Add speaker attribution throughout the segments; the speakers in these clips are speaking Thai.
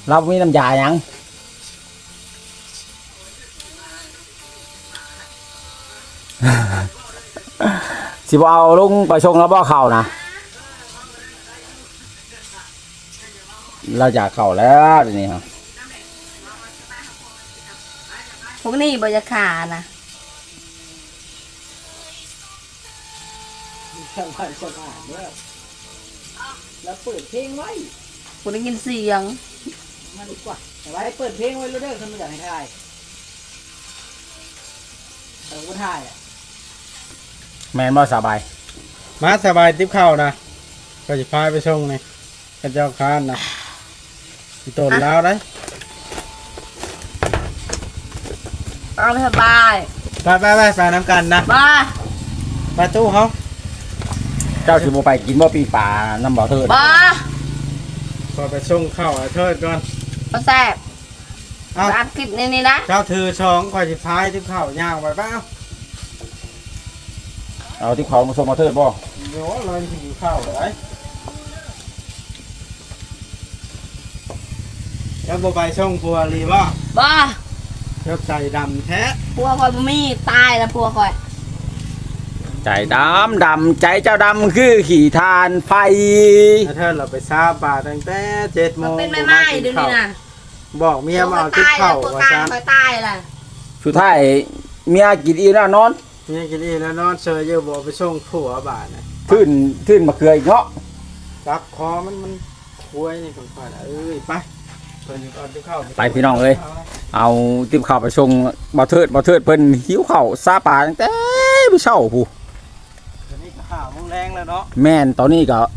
Speaker 1: เรามีน้ำยาหยังสิบ่เอาลุงไปชงแล้วบ่เข้านะเราอยากเข้าแล้วทีนี้ครับ
Speaker 2: พวกนี้บริขานะ
Speaker 3: สบายเนี่ยแล้วเปิดเพลงไว้
Speaker 2: คุณได้ยินเสียง
Speaker 3: มาดีกว่าแต่ว่าให้เปิดเพลงไว้แล้วเด้อทำไมอยากให้ถ่ายแต่ก็ถ่าย
Speaker 1: แมนบ่สบาย
Speaker 4: มาสบายติ๊บเข้านะก็จะพาไปส่งนี่กันเจ้าค้านนะต้นแล้วได้
Speaker 2: เอาสบาย
Speaker 4: ไปน้ำกันนะไปตู้เขา
Speaker 1: เจ้าสิบ่ไปกินบ่ปีป่าน้ำบ่อเทิด
Speaker 4: พอไปส่งเข้าเทิดก่อน
Speaker 2: มาแซ่บอัดคลิปนี่นะ
Speaker 4: เจ้าถือช่องก็จะพายติ๊บเข้าย่างไปเปล่า
Speaker 1: เอาที่เขามาส่งบ่อเทิดบ่
Speaker 4: เดี๋ยวเราจะหิวข้าวเลยแล้วไปส่งพัวรีบ่เจ้าใจดำแท้
Speaker 2: พัวคอยมีตายแล้วพัวคอย
Speaker 1: ใจดำใจเจ้าดำคือขี่ทานไฟ
Speaker 4: เธอเราไปซาบาตั้งแต่7 โมง
Speaker 2: เป็นไม่เดี๋ยวนี้นะ
Speaker 4: บอกเมียมาเอาติ๊บเข้า
Speaker 2: ว่าซะคอยตายล่ะ
Speaker 1: สุดท้ายเมียกินอีแล้วนอน
Speaker 4: เมียกินอีแล้วนอนเชยเยอะบอกไปส่งผัวบาทนะ
Speaker 1: ทื่นมาเกลืออีกเนาะ
Speaker 4: จับคอมันคุยนี่คนๆไป
Speaker 1: ไปพี่น้องเอาติ๊บข้าวไปส่งบ่อเทิดเพิ่นหิวข้าวซาป่าตั้งแต่มื้อเช้าผู้
Speaker 4: ตอนนี้ก็5 โมงแรงแล้วเนาะ
Speaker 1: แม่นตอนนี้ก็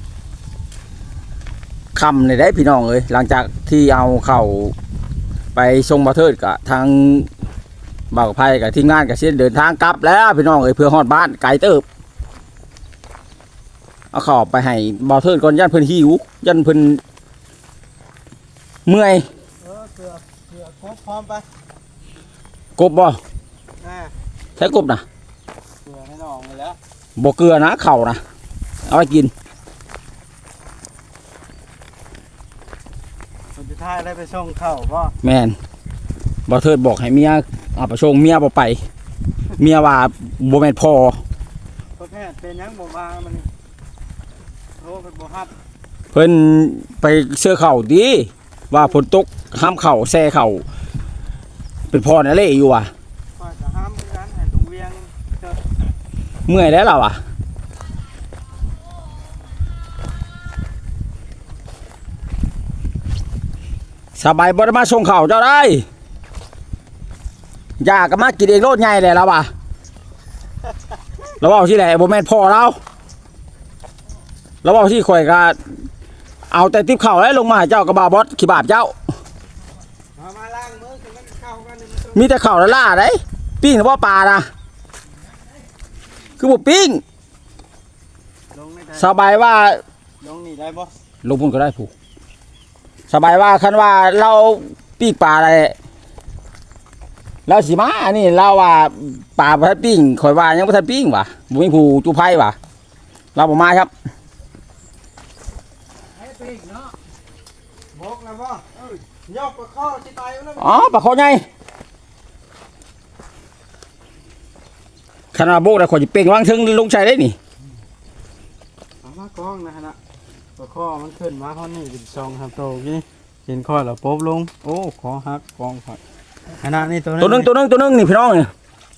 Speaker 1: ค่ำได้พี่น้องหลังจากที่เอาเข้าไปส่งบ่อเทิดก็ทางบ่าวกับไผกับทีมงานก็สิเดินทางกลับแล้วพี่น้องเพื่อฮอดบ้านไกลเติบเอาเข้าไปให้บ่อเทิดก่อนย่านเพิ่นหิวย่านเพิ่นเมื่อย
Speaker 4: เกลือครบพร้อมไป
Speaker 1: กบบ่ใช้กบนะ
Speaker 4: เกลือให้น้องเลยแล้ว
Speaker 1: บ่เกลือนะเข่านะเอาไปกิน
Speaker 4: คนสุดท้ายได้ไปส่งเข้าบ่
Speaker 1: แม่นบ่เทิดบอกให้เมียเอาไปส่งเมียบ่ไปเมียว่าบ่แม่นพอ
Speaker 4: แพทย์เป็นยังบ่มามันโทรไปบ่ฮับ
Speaker 1: เพิ่นไปเสื้อเข่าดีว่าฝนตกห้ามเข่าแซ่เข่าเป็นพอนั่นแหละอยู่ว่ะ
Speaker 4: จะห้ามกันให้ตรงเวียง
Speaker 1: เมื่อยแล้วเราอ่ะสบายบ่ได้มาส่งเข่าเจ้าได้อยากก็มากินเองโลดใหญ่เลยเราอ่ะเราเอาที่ไหนบ่แม่นพอเราเอาที่ข่อยก็เอาแต่ติ๊บเข่าแล้วลงมาเจ้ากับบาบอสขี้บาปเจ้า
Speaker 4: มาล้างมือกันเข้ากัน
Speaker 1: มีแต่เข่าละล่าได้ปิ้งหรือว่าปลานะคือบ่ปิ้งสบายว่า
Speaker 4: ลงนี่ได้บ่
Speaker 1: ลงพุ่นก็ได้ผู้สบายว่าคันว่าเราปิ้งปลาอะไรเราสิมาอันนี้เราว่าปลาบ่ทันปิ้งข่อยว่ายังบ่ทันปิ้งว่ะบ่มีผู้จุไผว่ะเราบ่มาครับ
Speaker 4: บอกแล้วว่ายกปลาข้อที่ตายแล้ว
Speaker 1: อ๋อปลาข้อใหญ่ขนาดโบกได้ขอจะเป่งวางถึงลงใจได้นี่
Speaker 4: มากล้องนะฮะปลาข้อมันขึ้นมาข้อนี้เป็น2 3 โตนี่เห็นข้อแล้วปุ๊บลงโอ้ขอหักกองผัดขนาดนี้
Speaker 1: ตัวนึงนี่พี่น้องเนี่ย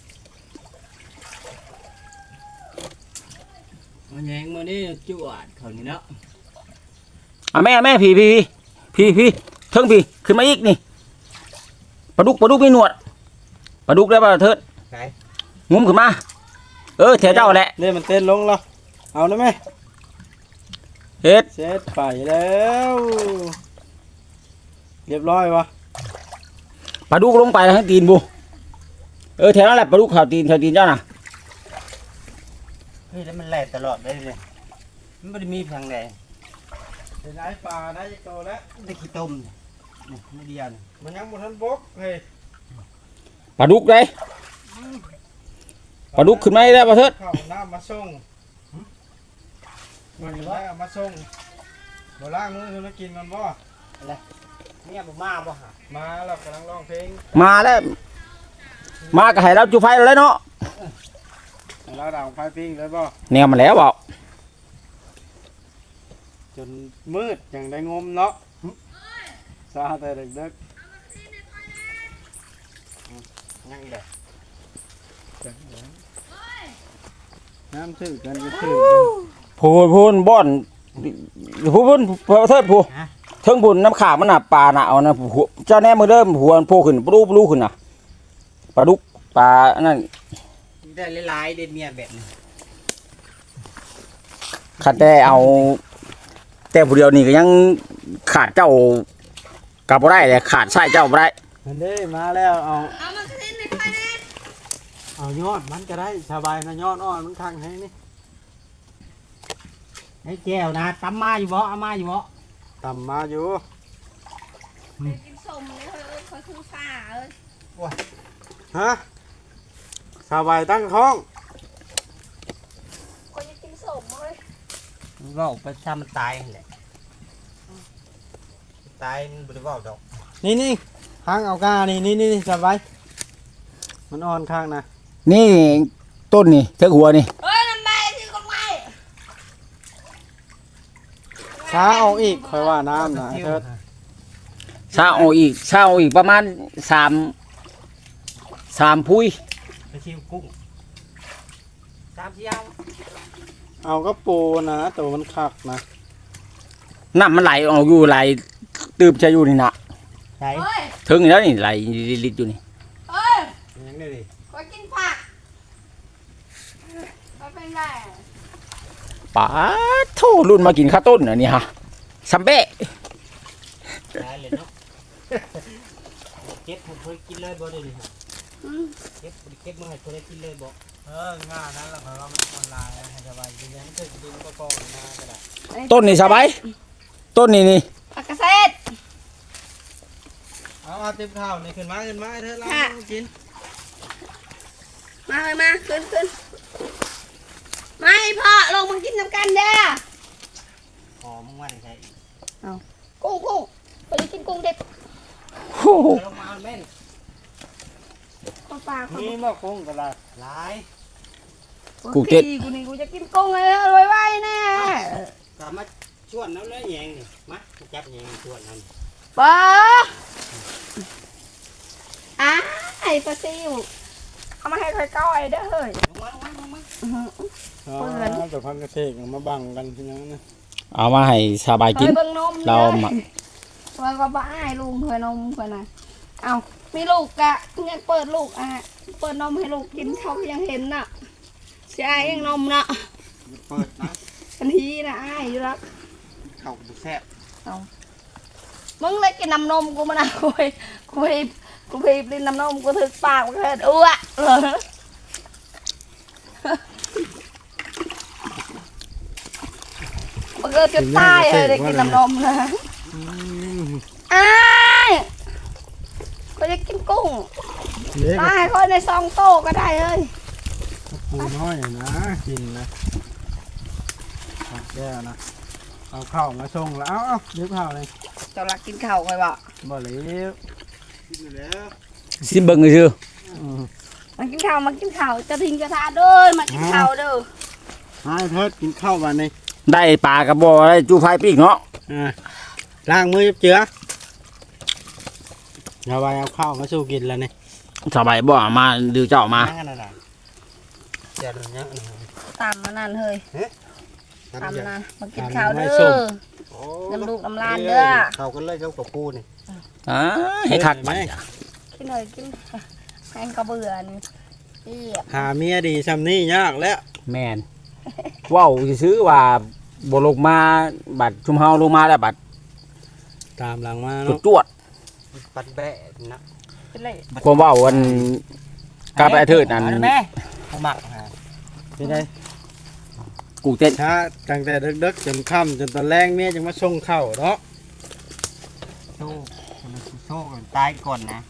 Speaker 3: มันแยงมือนี่จวดเขานี่เนาะ
Speaker 1: แม่พี่เทิงพี่ขึ้นมาอีกนี่ปลาดุกไม่หนวดปลาดุกได้ป่ะเถิดงุ้มขึ้นมาแถวเจ้าแหละ
Speaker 4: เนี่ยมันเต้นลงแล้วเอาได้ไหม
Speaker 1: เฮ็ด
Speaker 4: เสร็จไปแล้วเรียบร้อยวะ
Speaker 1: ปลาดุกลงไปให้ตีนบุแถวนั้นแหละปลาดุกข่าวตีนเจ้าน่ะ
Speaker 3: เฮ้ยแล้วมันแหลกตลอดได้เลยมันไม่ได้มีทางไหน
Speaker 4: ได้ปลาได้โตแล้ว
Speaker 3: ได้ขี้ต้มนี่ไม่ดีน
Speaker 4: มันยังบนทันบกเฮ้ย
Speaker 1: ปลาดุกเลยปลาดุกขึ้นมาได้ป่ะเถิด
Speaker 4: ข้าวน้ำมาส่งมันได้มาส่งบ่ล้างมือมากินมันบ่อะไร
Speaker 3: เนี่ยบ่มาบ่หา
Speaker 4: มาแล้วกำลังร้องเพลง
Speaker 1: มาแล้วมาก็ให้เราจุไฟแล้วเนาะ
Speaker 4: แล้วดังไฟปิ้งเลยบ่
Speaker 1: แนวมาแล้วเปล่า
Speaker 4: จนมืดอย่างได้งมเนาะซาแต่เด็ก
Speaker 3: ยังเด้อ
Speaker 4: ๆน้ำถือกันก็ถือ
Speaker 1: พูนบ่อนพูนเทิดพูเทิงพูนน้ำขามันน่ะปลาน่ะเอานะเจ้าแน่มือเริ่มหัวโผล่ขึ้นปลูขึ้นน่ะปลาดุกปลานั่น
Speaker 3: ได้หลายๆเด็ดเมียแบบนี้
Speaker 1: ขัดแต่เอาแต่ผู้เดียวนี่ก็ยังขาดเจ้ากลับบ่ได้เลยขาดใช่เจ้าบ่ได้
Speaker 4: เห็นได้มาแล้วเอา
Speaker 2: เอามากระเด็นในไฟแน่
Speaker 4: เอายอดมันก็ได้สบายนะยอดอ่อนมันคังให้นี่
Speaker 3: ให้แก้วนะตำมาอยู่บ่เอามาอยู่บ่
Speaker 4: ต่ำมาอยู่
Speaker 2: กินสมเลยเฮ้ยเขาคือฝ่าเอ้ย
Speaker 4: ฮะสบายตั้งท้อง
Speaker 2: เขาจะกินสมเลย
Speaker 3: เว้าไปถ้ามันตายนั่นแหละตายมันบ่ได้เว้าดอก
Speaker 4: นี่ข้างเอากานี่สบายมันอ่อนข้างนะ
Speaker 1: นี่ต้นนี่เทิงหัวนี่
Speaker 2: เฮ้ยน้ำใบที่คนไม่
Speaker 4: ช้าเอาอีกค่อยว่าน้ำนะเถิด
Speaker 1: เช้าเอาอีกประมาณ3พุ้ย
Speaker 3: ไปชิวกุ้งตามที่เอา
Speaker 4: เอาก็ปูนะตัวมันคักนะ
Speaker 1: น้ำมันไหลออกอยู่ไหลตืบจะอยู่นี่น่ะ
Speaker 3: ใช่
Speaker 2: เฮ้ย
Speaker 1: ถึงแล้วนี่ไหลลิดอยู่นี่
Speaker 2: เฮ้ย
Speaker 3: ยังได้ดิ
Speaker 2: เขากินผักเขาเป็นไร
Speaker 1: ป๋าโทรุ่นมากินข้าวต้นอันนี้ฮะซัมเบ้
Speaker 3: ตายเลยเนาะเก็บผมเคยกินเลยบ่ได้นี่ฮะเก็บมาให้คนได้กินเลยบ่งานนั้นแหละเพราะว่ามันออนไลน์ให้สบายจริงๆมันเคยกินก็ก่อนมาก็ได้
Speaker 1: ต้นนี่สบายต้นนี่
Speaker 2: ผักกระเซด
Speaker 3: เอาเต็มข้าวนี่ขึ้นมาเถอะเรากิน
Speaker 2: มาเลยมาขึ้นไม่พ่อลงมากินน้ำกันเด้อ
Speaker 3: หอมว่าได้ใช่
Speaker 2: กุ้งเขาจะกินกุ้งเด็ก
Speaker 1: โอ้โห
Speaker 3: ลงมาแม่น
Speaker 2: ข้าวปลาเขา
Speaker 4: นี่มาคงก็ได้
Speaker 3: หลาย
Speaker 1: กูเจ็ด
Speaker 2: กูนี่กูจะกินกุ้งเลยรวยไว้แน่
Speaker 3: กลับมาชวนน้ำเลยแยงนี่มาจับแยงชวนน้ำ
Speaker 2: ป้าไอ้ปลาซิวเอามาให้ใครก้อยเด้อเฮ้ย
Speaker 3: ลงมา
Speaker 4: เอาแต่พันกระเทกเอามาบังกันทีนั้นนะ
Speaker 1: เอามาให้สบายกิน
Speaker 2: เบิ่งนม
Speaker 1: เรามา
Speaker 2: เฮ้ยก็บ้าให้ลุงเฮ้ยนมเฮ้ยนะเอามีลูกกะยังเปิดลูกเปิดนมให้ลูกกินเขายังเห็นน่ะใช่ยังนมน่ะ
Speaker 3: เปิดนะ
Speaker 2: ทันทีนะอ้ายอยู่รัก
Speaker 3: เข้าบุแซ่บ
Speaker 2: มึงเลยกินน้ำนมกูมานะกูพีบลินน้ำนมกูถึกปากกูเห็นอ้วมันก็จะตายเลยได้กินน้ำนมนะอ้ายก็จะกินกุ้ง
Speaker 4: เล็ก
Speaker 2: ตายก็ในซองโตก็ได้เอ้ย
Speaker 4: ปูน้อยนะกินนะแก้วนะเอาข้าวมาส่งแล้วเอาเลี้ยงข้าวเลย
Speaker 2: เจ้ารักกินข้าวใครบอก
Speaker 4: บ่เลี้ยง
Speaker 3: กินอยู่แล้ว
Speaker 1: ซิมเบิ้งเลยชื่อ
Speaker 2: มากินข้าวจะทิ้งกระทะเด้อมากินข้าวเด้อ
Speaker 4: ให้เทิดกินข้าววันนี้
Speaker 1: ได้ปลากระบอกได้จูไฟปีกเนาะ
Speaker 4: ล้างมือเจือเอาไปเอาข้าวมาสู้กินแล้วนี่
Speaker 1: สบายบ่มาดูเจ้ามา
Speaker 3: นั่นน่ะเดี๋ยวนี้
Speaker 2: ตามมานั่นเฮ้ยตามนะมากิน
Speaker 4: ตาม
Speaker 2: ข้าว
Speaker 4: ไม่
Speaker 2: เด้
Speaker 4: ส้ม
Speaker 2: อน้ำลูกน้ำลานเด้อ
Speaker 3: เข้ากันเลยเข้ากับปูนี่
Speaker 1: ให้คักไป
Speaker 2: กินหน่อยกินแห้งกระเบื่อนี่อี๋
Speaker 4: หาเมียดีซ้ำนี่ยากแล้ว
Speaker 1: แมนว้าวซื้อว่าบ่ลงมาบัดชุมเฮาลงมาแล้วบัด
Speaker 4: ตามหลังมา
Speaker 1: จุ
Speaker 4: เนาะ
Speaker 1: ดจวด
Speaker 3: ปัดแบะนะ
Speaker 2: เป็นไร
Speaker 1: ความว่าวันกาไปอาทิตย์นั้น
Speaker 3: แม่หมักฮะ
Speaker 4: ที่ได้
Speaker 1: กูเต้น
Speaker 4: ช้าตั้งแต่ดึกๆจนค่ำจนตอนแรงเมียจึงมาส่งข้าวเนาะ
Speaker 3: โซ่กันตายก่อนนะ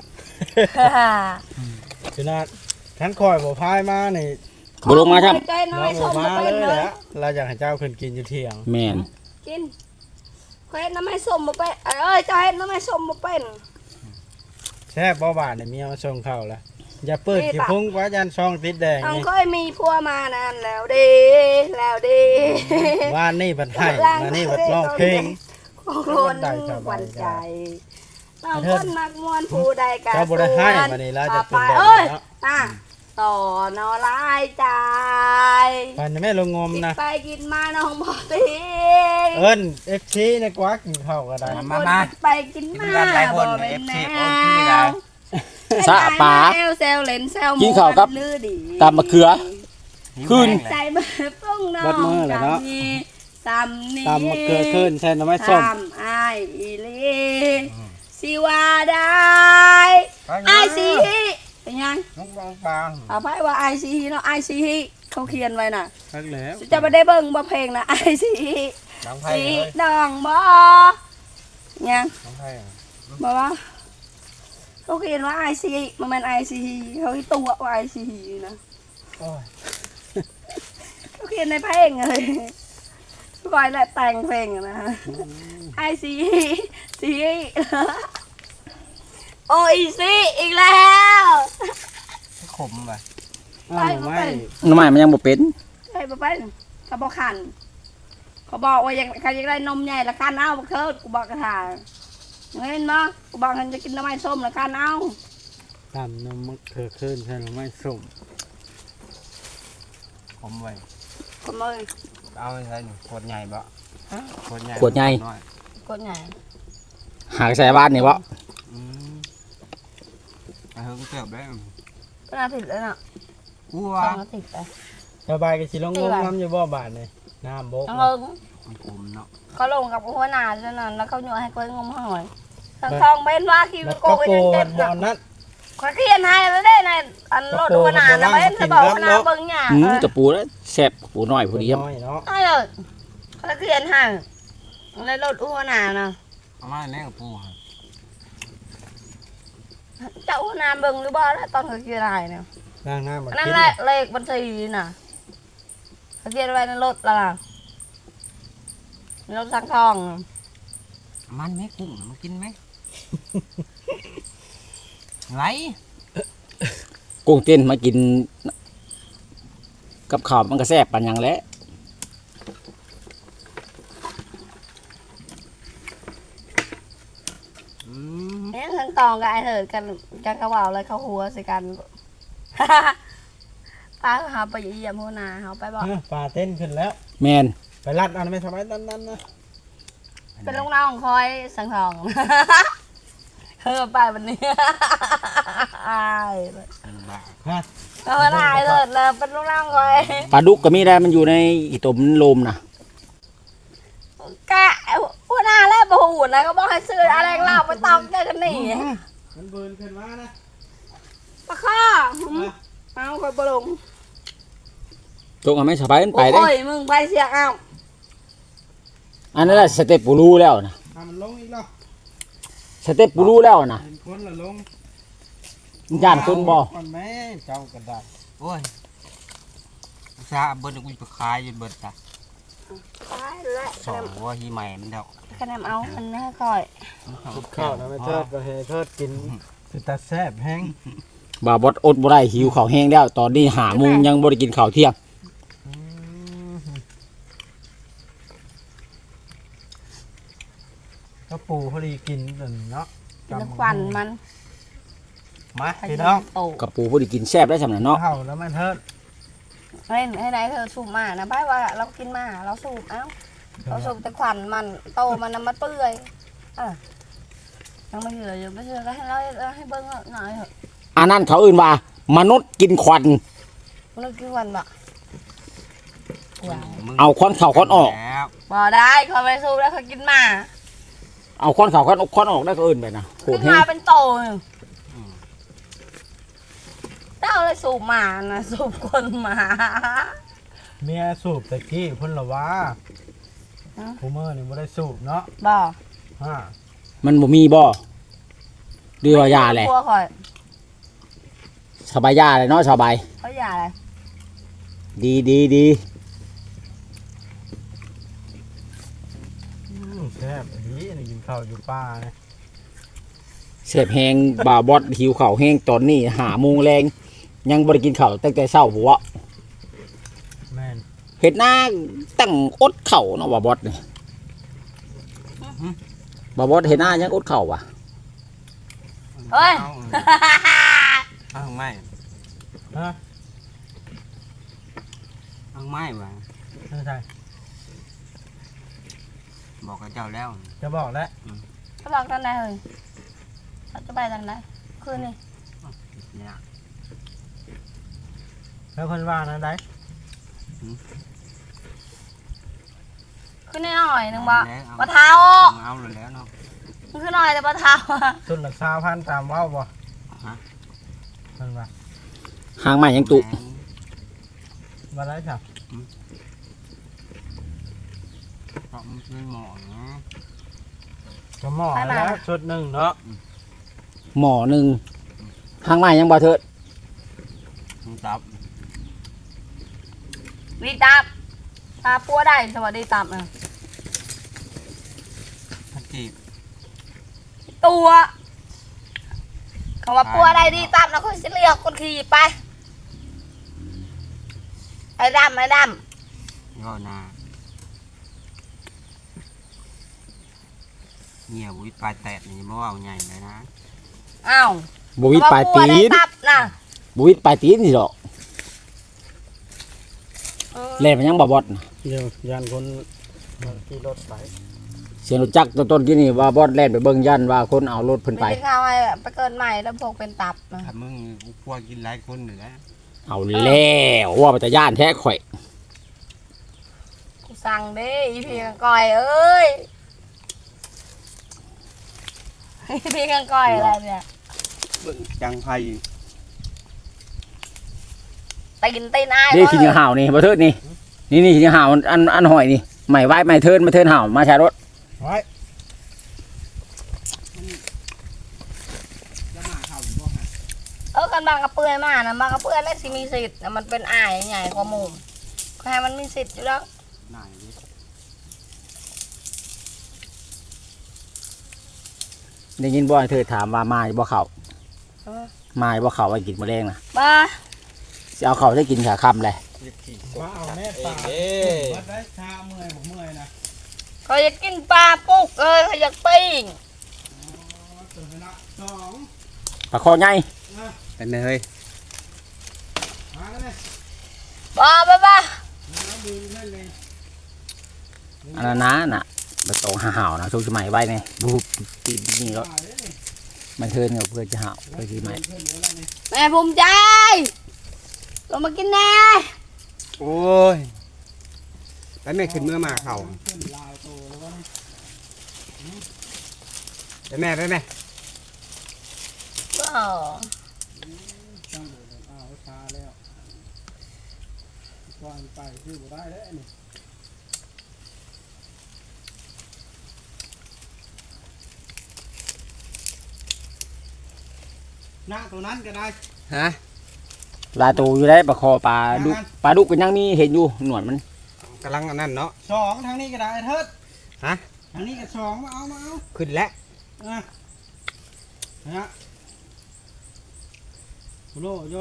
Speaker 4: ขนาดขันคอยบ่พายมานี่
Speaker 1: บ่ลงมาครับ
Speaker 2: ใจน้อ
Speaker 4: เรา
Speaker 2: ยช
Speaker 4: บ่
Speaker 2: ม
Speaker 4: มา
Speaker 2: มา
Speaker 4: เล
Speaker 2: เป็น
Speaker 4: ย
Speaker 2: เลย
Speaker 4: แหละเราอยากให้เจ้าขึ้นกินอยู่เที่ยง
Speaker 1: แมน
Speaker 2: กินเฮ็ดน้ำไม้ส้มบ่เป็นเอ้ยเจ้าเฮ็ดน้ำไม้ส้มบ่เป็น
Speaker 4: แซ่บบ่บาดเนี่ยเมียมาส่งเข้าละอย่าเปิดขี้พุงว่ายันช่องติดแดง
Speaker 2: น้อง
Speaker 4: นี่
Speaker 2: เคยมีผัวมานานแล้วเด้แล้วเด้
Speaker 4: ว่านนี่บัดให้มานี่บัดร้องเพลง
Speaker 2: ของคนหวั่นใจน้องคนมักมวนผู้ใดกัน
Speaker 4: เจ้าบ่ได้ให้มานี่แล้วจะเป็นแบบ
Speaker 2: เอ้ย
Speaker 4: เนาะ
Speaker 2: ต่อนอลายใจ
Speaker 4: ปันแม่ลงงม
Speaker 2: กิน
Speaker 4: นะ
Speaker 2: ไปกินมาน้องบ่ตี
Speaker 4: เอิ้น FC ในกวักกินข้าวก็ได้
Speaker 2: ไปกินมาบ่เป็นแนว
Speaker 1: สะปา
Speaker 2: แซวแซวเล่นแซว
Speaker 1: กินข้าวกับ
Speaker 2: ลือดี
Speaker 1: ตำมะเขือ คืน
Speaker 2: ใจเบิ่ปุ้งน้อง
Speaker 4: เบิดมื้อแล้วเนาะ
Speaker 2: ซ้ำนี้
Speaker 4: ตามมะเขือขึ้นแทนน้ำไม้ส้ม
Speaker 2: ทำอ้ายอีหลีสิว่าได้อ้ายสิเป็นยัง
Speaker 3: น้องบาง
Speaker 2: เอาไพ่ว่าอ้ายสิเนาะอ้ายสิเขาเขียนไว้น่ะ
Speaker 4: ทักแล้ว
Speaker 2: จะไม่ได้เบิ่งบ่เพลงนะอ้ายสิ
Speaker 3: น้องไผ่
Speaker 2: สิ
Speaker 3: เลย
Speaker 2: น้องบ่ยัง
Speaker 3: น้องไผ่
Speaker 2: บ่ว่าเขาเขียนว่าอ้ายสิมันเป็นอ้ายสิเขาให้ตัวว่าอ้ายสินะ
Speaker 4: โอ้ย
Speaker 2: เขาเขียนในเพลงเลยก่อยและแต่งเพลงอะนะไอซีซีโอ้ยซีอีกแล้ว
Speaker 3: ขมไป
Speaker 4: อ้าวหน่อไม้
Speaker 1: หน่อไม้มันยังบ่เป็น
Speaker 2: ไอ้ป๊าป้าเขาบอกขันเขาบอกว่าอยากใครอยากได้นมใหญ่ละคันเอาบอกเถิดกูบอกกระถางเห็นมั้ยกูบอกฉันจะกินน้ำมันส้มละคันเอา
Speaker 4: ตามน้ำมะเขือขึ้นแทนน้ำไม้ส้ม
Speaker 3: ขมไป
Speaker 2: ก็มือ
Speaker 3: เอาไปใส่หนูขวดใหญ่บ่ขวดใหญ่
Speaker 1: ขวดใหญ่
Speaker 3: น้อย
Speaker 2: กดใหญ่
Speaker 1: หากใส่บ้านนี่บ่
Speaker 3: อืมไปเฮงเติบได้
Speaker 2: ก็น่าติดแล้วน่ะ
Speaker 3: กลัว
Speaker 2: ต้องน่าติดไป
Speaker 4: สบายกับสิลงงมน้ำอยู่บ่บาดนี่น้ำบก
Speaker 2: ต้องลง
Speaker 3: มันขมเนาะ
Speaker 2: เขาลงกับหัวหน้าแล้วนั่นแล้วเขาโยนให้ก้อยงมหอยทางทองเป็นว่าคิว
Speaker 4: มัน
Speaker 2: โก
Speaker 4: ก็
Speaker 2: ก็
Speaker 4: โก
Speaker 2: ยังเจ็
Speaker 4: น
Speaker 2: บ
Speaker 4: บ่อนนั้น
Speaker 2: ขอเขียนให้แล้วได้ในอันรถหัวหน้านะเป็นจะบอกหัวหน้าเบิ่งหยา
Speaker 1: จะปูแล้วแซ่บปูน้อยพอดีครับ
Speaker 4: น้อยเนาะ
Speaker 2: เออขอเขียนให้ในรถหัวหน้านะ
Speaker 3: เอามาแน่กับปูครับ
Speaker 2: เจ้าหัวหน้าเบิ่งหรือบ่แล้วตอนเขาเขียนให้เนี่ย
Speaker 4: ล้างน้ำมา
Speaker 2: นั่น
Speaker 4: กิน
Speaker 2: แหละเลขบัญชีน่ะเขาเขียนไว้ในรถละในรถสังทอง
Speaker 3: มันไหมกุ้งมันกินไหมไหล
Speaker 1: กุ้งเต้นมากิน กับข้าวมันก็แซ่บปานหยังแหละ
Speaker 2: เนี่ยสังทองกับไอ้เถิดกันเขาว่าอะไรเขาหัวใส่กันป้าเขาไปเยี่ยมหัวหน้าเขาไปบอก
Speaker 4: ปลาเต้นขึ้นแล้ว
Speaker 1: แมน
Speaker 4: ไปรัดอันไม่สบายนั่นนะ
Speaker 2: เป็นลูกน้องคอยสังทองเออไปวันนี้อายเลย
Speaker 4: ฮะ
Speaker 2: เอาหน้าเลยเลยเป็นลูกน้องคอย
Speaker 1: ปลาดุกก็มีได้มันอยู่ในอีตมลมนะ
Speaker 2: กะหัวหน้าแล้วบูดนะก็บอกให้ซื้ออะไรเล่าไปตองเจอกันนี่
Speaker 4: มันเบิร์นขึ้นมานะ
Speaker 2: ปะข้อเอาคอยบลง
Speaker 1: ตรงเอาไม่สบายมันไปได้
Speaker 2: โอ้ยมึงไปเสียเอา
Speaker 1: อันนั้นแหละสเต็ปปูรู้แล้วนะ
Speaker 4: มันลงอีกแล้ว
Speaker 1: สเต็ปปูรู้แล้วนะ
Speaker 4: เป็นคนละลง
Speaker 1: มันย่านคนบ่
Speaker 4: มันแม่เจ้ากระดาษ
Speaker 3: โอ้ยซาเบิร์ดกูไปขายอยู่เบิร์ดจ้ะ
Speaker 2: ไปและ
Speaker 3: สองว่าฮีใหม่มันเดา
Speaker 2: คะแนนเอามันนะคอย
Speaker 4: ข้าวนะไม่เทิดก็ให้เทิดกินคือตาแซ่บแห้ง
Speaker 1: บ่าวบดอดบ่ได้หิวข้าวแห้งแล้ว ตอนนี้5 โมงยังบ่ได้กินข้าวเที่ยง
Speaker 4: ก็ปูพอดีกินเนาะ
Speaker 2: เป็นควันมัน
Speaker 4: มาพี่น้อง
Speaker 2: โต
Speaker 1: กับปูบ่ได้กินแซ่บได้สำนักเนาะ
Speaker 4: ข้าวแล้วไม่เทิด
Speaker 2: ให้ไหนเธอสูบมานะไปว่าเรากินมาเราสูบเอ้าเราสูบแต่ควันมันโตมันน้ำมันเปื่อยยังไม่เหลืออยู่ไม่เหลือก็ให้เราให้เบิ้งหน่อยเถอะ
Speaker 1: อันนั้นเขาอื่นว่ามนุษย์กินควัน
Speaker 2: มันกินควันบ่
Speaker 1: เอาควันเข้าควันออก
Speaker 3: แล้ว
Speaker 2: บ่ได้เขาไปสูบแล้วเขากินมา
Speaker 1: เอาควันเข้าควันออกควันออกได้ก็อื่นไปนะโห
Speaker 2: กิ
Speaker 1: ด
Speaker 2: น
Speaker 1: แฮ
Speaker 2: มาง เป็นโตอยู่เจ้าเลยสูบมานะสูบคนมา
Speaker 4: เมียสูบตะกี้พุ่นละว่าคูเมอร์นี่ไม่ได้สูบเนาะ
Speaker 2: บ่
Speaker 4: ฮะ
Speaker 1: มันบ่มีบ่หรือว่ายาแหละ
Speaker 2: กลัวข่อย
Speaker 1: สบายยาเลยเนาะสบาย
Speaker 2: เขาอย่าอะไร
Speaker 1: ดี
Speaker 4: แซ่บดีข้าวอยู่ป่าเนี่ย
Speaker 1: เสพแหงบาบอดหิวข้าวแห้งตอนนี้5 โมงแรงยังบ่ได้กินข้าวตั้งแต่เช้าหัว
Speaker 4: แม่น
Speaker 1: เฮ็ดหน้าตั้งอดข้าวเนาะบาบอดนี่บาบอดเฮ็ดหน้ายังอดข้าวว่ะ
Speaker 2: เฮ้ย
Speaker 3: เอาไม้
Speaker 4: ฮะ
Speaker 3: เอาไม้มา
Speaker 4: ไม่ใช่
Speaker 3: บอกกับเจ้าแล้ว
Speaker 4: จะบอกแล้ว
Speaker 2: เขาบอกทางไหนเฮ้ยเขาจะไปทางไหนคืนนี้
Speaker 3: เนี่ย
Speaker 4: แล้วคนว่านั้นได้
Speaker 2: คืนนี้หน่อยหนึงบ่
Speaker 3: แล้ว
Speaker 2: ปะเท้า
Speaker 3: เอาเลยแล้วเนาะ
Speaker 2: มันคือหน่อยแต่ปะเท้าอะ
Speaker 4: สุดหลัก20,000ตามเว้าบ่
Speaker 3: ฮะ
Speaker 4: คนว่า
Speaker 1: หางไม้ยังตุ
Speaker 4: ว่าไรจ้ะ
Speaker 3: เพราะมันเป็นหมอนะ
Speaker 4: ก็หม้อแล้วชุดหนึ่งเนาะ
Speaker 1: หม้อหนึงหางไม้ยังบ่เถิด
Speaker 3: มันตับ
Speaker 2: ดีตับตาปัวได้สวัสดีตับนะ
Speaker 3: ถ้าจีบ
Speaker 2: ตัวคำว่าปัวได้ดีตับนะคนสิเรียกคนขี่ไปไอ้ดำ
Speaker 3: ย่อนาเนี่ยบุ้ยปลายแตะนี่มันว่าเอาใหญ่เลยนะ
Speaker 2: อ้าว
Speaker 1: บ่วิดปลายตี
Speaker 2: คำว่ปัวได้
Speaker 1: น
Speaker 2: ตับนะ
Speaker 1: บ่วิดปลายตีนนี่ดอกแล่นมันยังบ่บอดน่ะ
Speaker 4: เดี๋ยวยันคนขี่รถไป
Speaker 1: เสียงรถจักรต้นๆที่นี่ว่าบอดแล่นไปเบิ่งยันว่าคนเอารถเพิ่นไป
Speaker 2: ไม่ได้ข่าวไอ้ไปเกินใหม่แล้วพวกเป็นตับนะ
Speaker 3: ถ้ามึงกูกลัวกินหลายคนอยู่แล้ว
Speaker 1: เอาแล้วว่าไปแต่ย่านแท้ข่อย
Speaker 2: กูสั่งเด้อีพีกังก่อยเอ้ยอีพีกังก่อยอะไรเนี่ย
Speaker 3: จังไพ่
Speaker 2: ตีนอ้าย
Speaker 1: นี่ขี้เหงาห่าวนี่บ่เทิดนี่นี่ขี้เหงาห่าวอันหอยนี่ใหม่ไว้ใหม่เทินมาเทินห่าวมาใช้รถ
Speaker 4: ไว้
Speaker 2: กันบางกระเปื่อยมานะบางกระเปื่อยแล้วสิมีสิทธิ์นะมันเป็นอ้ายใหญ่กว่าหมู่ก็ให้มันมีสิทธิ์อยู่แล้ว
Speaker 3: หน่ายดิ
Speaker 1: ได้ยินบ่ให้เทิดถามว่ามาบ่เข้ามาบ่เข้าไว้กินมื้อแรงน่ะ
Speaker 2: บ้า
Speaker 1: สิเอาเข้าได้กินขาค่ำเลย
Speaker 4: มาเอาแม่ปลาวัดได้ชาเมื่อยผมเมื่อยนะ
Speaker 2: เขาอยากกินปลาปุ๊กเอ้ยเขาอยากปิ้ง
Speaker 4: ตื่นไปละสอง
Speaker 1: ปลาคอใหญ่
Speaker 3: เป็นไงเฮ้ย
Speaker 4: มาแล้วเนี่ย
Speaker 2: บ้า
Speaker 4: น้ำดื่มเล่นเลย
Speaker 1: อันนั้นน่ะบ่ต้องห่าวๆนะช่วงสมัยไว้นี่บูติดนี่แล้ว
Speaker 4: มาเลยนี่
Speaker 1: มันเทินกับเพื่อนจะห่าวเพื่อสิใหม่
Speaker 4: เพื่อนเหลืออะไรนี่
Speaker 2: แม่ภูมิใจลงมากินแน่
Speaker 3: โอ้ยแล้วแม่ขึ้นเมื่อมาเข่า
Speaker 4: ขึ้นลาวโตแล้ววะนี่
Speaker 3: ไปแม่ไปแม่
Speaker 2: ก็
Speaker 4: จังเลยอ้าวชาแล้วก่อนไปคือบ่ได้แล้วนี่หน้าตัวนั้นก็ได้
Speaker 3: ฮะ
Speaker 1: ปลาตูอยู่ได้ปลาคอปลาดุกก็ยังมีเห็นอยู่หนวดมัน
Speaker 3: กำลังอันนั้นเนาะ
Speaker 4: สองทางนี้ก็ได้เทิด
Speaker 3: ฮะ
Speaker 4: ทางนี้ก็สองมาเอา
Speaker 3: ขึ้นแล้ว
Speaker 4: อ่ะฮะโลโย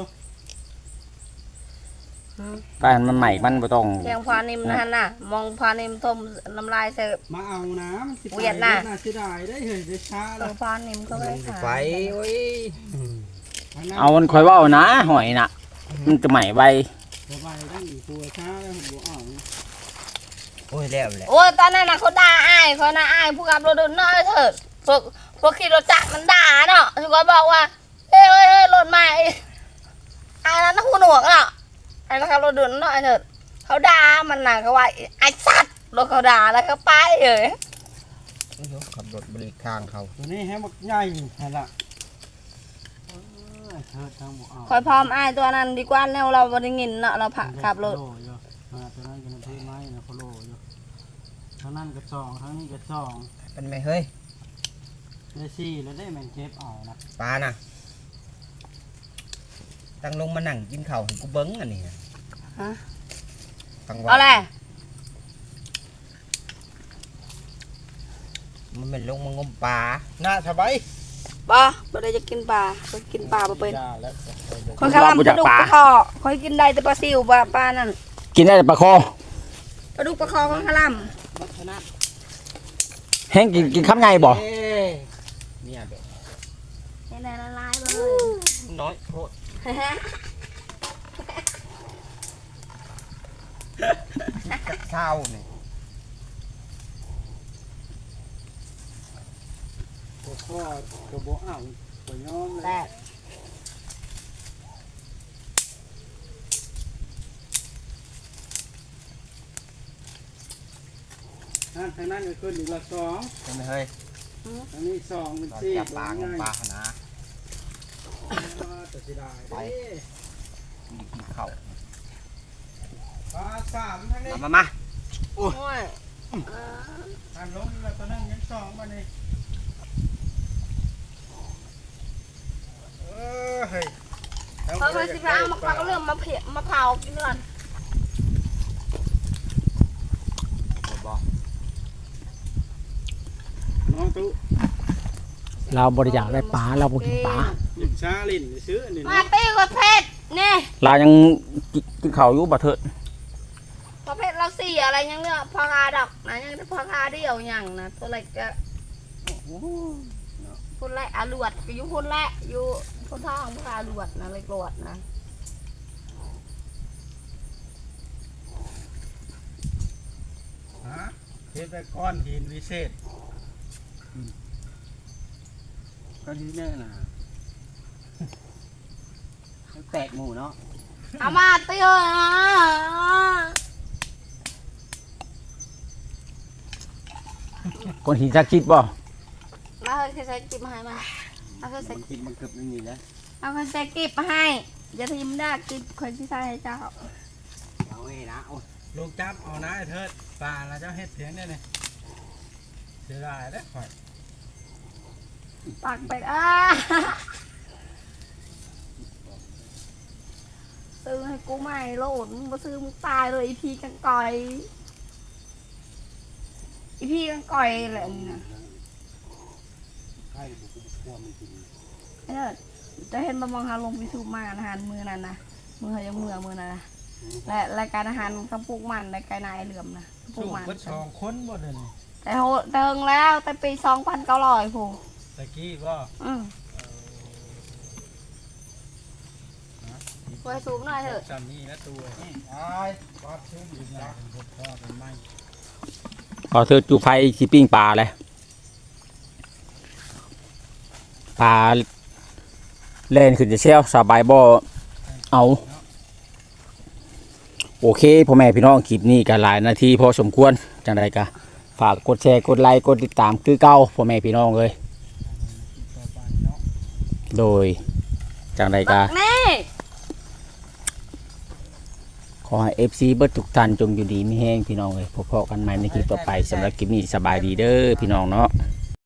Speaker 1: ปลามันใหม่มันบ่ต้อง
Speaker 2: เพียงพานิมนั่นน่ะ มองพานิมทมน้ำลายเสิร์ฟ
Speaker 4: มาเอาน้ำสิ
Speaker 2: เวียดน่ะ
Speaker 4: สิได้ได้เฮ้ยได้ช้า
Speaker 2: เอ
Speaker 4: แล้ว
Speaker 2: อพานิมก็ไม่ขาย
Speaker 3: ไฟโอ้ย
Speaker 1: เอามันคอยเว่านะหอยน่ะ มันจะใหม่ใบ
Speaker 4: ต่อไปต้องอีกตัวช้าแล้วผมบอกเอา
Speaker 3: โอ้ยแล้วแหละ
Speaker 2: โอ้ยตอนนั้นน่ะเขาด่าอ้ายเขาน่ะอ้ายผู้ขับรถดุนน้อยเถิดพวกขี่รถจักรมันด่าเนาะทุกคนบอกว่าเฮ้ยรถใหม่อ้ายนั้นหูหนวกเนาะไอ้ขับรถดุนน้อยเถิดเขาด่ามันน่ะเขาว่าไอ้สัตว์รถเขาด่าแล้วก็ไปเลย
Speaker 3: ขับรถบริข้างเขา
Speaker 4: ตัวนี้ให้มันใหญ่เห็นละเทิดทางบอกเอา
Speaker 2: คอยพร้อมอ้ายตัวนั้นดีกว่าแนวเราบริงินเนาะเราผักขับรถ
Speaker 4: โลโยตัวนั้นก็พื้นไม้นะเขาโลโยทางนั้นก็สองทางนี้ก็สอง
Speaker 3: เป็นไงเฮ้ย
Speaker 4: ได้สี่แล้วได้แมงเก็บเอานะ
Speaker 3: ปลาน่ะตั้งลงมานั่งกินข้าวให้กูเบิ้งอันนี้
Speaker 2: ฮะ
Speaker 3: ตั้ง
Speaker 2: เอาแหละ
Speaker 3: มันเป็นลงมางมปลา
Speaker 4: น่าสบาย
Speaker 2: บ่บ่ได้จะกินปลาบ่กินปลาบ่เป็น
Speaker 4: ได้แล้ว
Speaker 2: คนข้าวปลาดุกปลาคอคอยกินได้แต่ปลาซิวปลานั่น
Speaker 1: กินได้แต่ปลาคอ
Speaker 2: ปลาดุกปลาคอของข้าว
Speaker 3: มัชนะ
Speaker 1: แห้งกินคำไงบ่
Speaker 3: เนี่ยแบบ
Speaker 2: ให้ได้ละลายเลย
Speaker 3: น้อยโคตรเศร้าเนี่ย
Speaker 4: ตัวข้อตัวโบอ่างตัวย้อมเลย
Speaker 2: แต่
Speaker 4: ทางนั้นก็ขึ้นอีกละสอง
Speaker 3: เป็นเฮ้ย
Speaker 4: ทางนี้สองเป็น
Speaker 3: ตอน
Speaker 4: สี่
Speaker 3: จับปลางมปลาหนา
Speaker 4: แต่สิได้
Speaker 3: ไป กินข้าว
Speaker 4: ปลาสามทางนี้
Speaker 3: มา
Speaker 2: โอ้ย
Speaker 4: ทางลงแล้วตอนนั้นยังสองมานี่เฮ้ย
Speaker 2: เขาเคยสิพามาปลาก็เรื่องมาเผากินก่อน
Speaker 3: บอก
Speaker 4: น้องตู้
Speaker 1: เราบริจาคได้ปลาเราบ่กินปลา
Speaker 4: หยิบชาลิ้นซื้ออันนี้
Speaker 2: มาตีกับเพชรนี่
Speaker 1: เรายังกินข้าวอยู่บ่เถิด
Speaker 2: ประเภทเราสี่อะไรยังเนี่ยพอคาดอกนะยังพอคาเดียวยังนะตัวเล็กจะพุ่นแรกอาลวดก็อยู่พุ่นแรกอยู่พุ่นท้องพุ่นอาลวดนะเลยกรวดนะ
Speaker 4: ฮะเฮ็ดไปก้อนหินวิเศษ
Speaker 3: ก็ดีแน่น่ะแตกหมูเนาะ
Speaker 2: เอามาเตี้ยนะ
Speaker 1: คนหินศักดิ์สิทธิ์บ่
Speaker 2: มาเคยใส่กิบมาให้มาเอาเคยใส่
Speaker 3: มันกินมันเกือบไม่มีแล้ว
Speaker 2: เอาเคยใส่กิบมาให้อย่าทิมได้กิบคนที่ใส่ให้เจ้า
Speaker 3: เอาไว้นะโอ้ย
Speaker 4: ลูกจับเอานะไอ้เถิดปลาแล้วเจ้าเฮ็ดเพียงได้เนี่ยเสียดายแล้วข่อย
Speaker 2: ปักไปซื้อให้กูใหม่โหลดมาซื้อมึงตายเลยอีพีกันก่อยอีพีกันก่อยแหละนี่นะ
Speaker 3: ใครบุกพวกมันกิน
Speaker 2: ไอ้เด้อจะเห็นบะมองหาลงพิสูจน์มาอาหารมือนั่นนะมือเขายังมือนั่นนะและรายการอาหารกระปุกมันรายการนายเหลื่อมนะกระปุ
Speaker 4: สู้
Speaker 2: กมัน
Speaker 4: เพิ่นสองคนบ่เด้อนี่
Speaker 2: แต่โหเติงแล้วแต่ปี2,900ผู้
Speaker 4: ตะกี้บ่
Speaker 2: ไว้สูงหน่อยเถอะ
Speaker 4: จำนี่นะตัวตายปาดชื้นอยู่นะเป็นพวกพ่อเป็นไม้
Speaker 1: พอเถิดจูไฟสิปิ้งปลาเลยปลาเล่นขึ้นจะเชี่ยวสบายบ่เอาโอเคพ่อแม่พี่น้องคลิปนี้กันหลายนาทีพอสมควรจังใดกะฝากกดแชร์กดไลค์กดติดตามคือเก่าพ่อแม่พี่น้องเลย
Speaker 4: ต่อไปเนาะ
Speaker 1: โดยจังใดกะ
Speaker 2: นี่
Speaker 1: ขอให้ FC เบิดทุกท่านจงอยู่ดีมีแห้งพี่น้องเลยพบกันใหม่ในคลิปต่อไปสำหรับคลิปนี้สบายดีเด้อพี่น้องเนาะ
Speaker 4: ส